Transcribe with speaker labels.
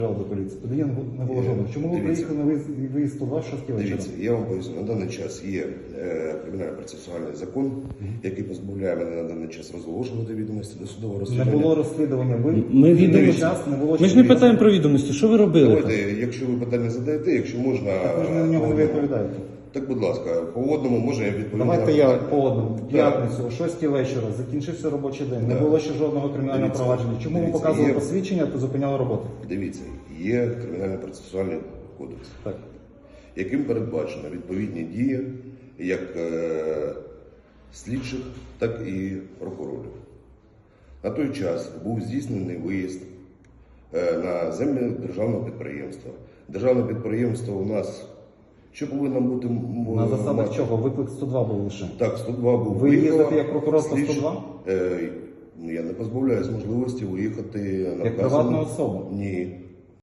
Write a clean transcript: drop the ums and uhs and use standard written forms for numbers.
Speaker 1: До поліції. Тоді не було жодного. Чому ви приїхали на виїзд 102 6 вечора?
Speaker 2: Дивіться, я вам поясню, на даний час є кримінально-процесуальний закон, який позбавляє мене на даний час розголошувати відомості до судового
Speaker 1: Не
Speaker 2: розслідування.
Speaker 1: було розслідування.
Speaker 3: Ми відомості. Ми ж не питаємо про відомості. Що ви робили?
Speaker 2: Давайте, якщо ви питання задаєте, якщо можна...
Speaker 1: Ви ж на нього не відповідаєте.
Speaker 2: Так, будь ласка, по одному може я відповідати.
Speaker 1: Давайте я по одному. В п'ятницю, о 6 вечора, закінчився робочий день. Не було ще жодного кримінального
Speaker 2: Дивіться,
Speaker 1: провадження. Чому ви
Speaker 2: дивіться,
Speaker 1: показували
Speaker 2: є-
Speaker 1: посвідчення та зупиняли роботу?
Speaker 2: Дивіться, є кримінально-процесуальний кодекс,
Speaker 1: Так.
Speaker 2: яким передбачено відповідні дії як слідчих, так і прокурорів. На той час був здійснений виїзд на землі державного підприємства. Державне підприємство у нас, що повинно бути...
Speaker 1: На засадах чого? Виклик 102 був лише.
Speaker 2: Так, 102 був.
Speaker 1: Ви їздите як прокурор по 102?
Speaker 2: Я не позбавляюсь можливості виїхати на
Speaker 1: Як приватна особа?
Speaker 2: Ні.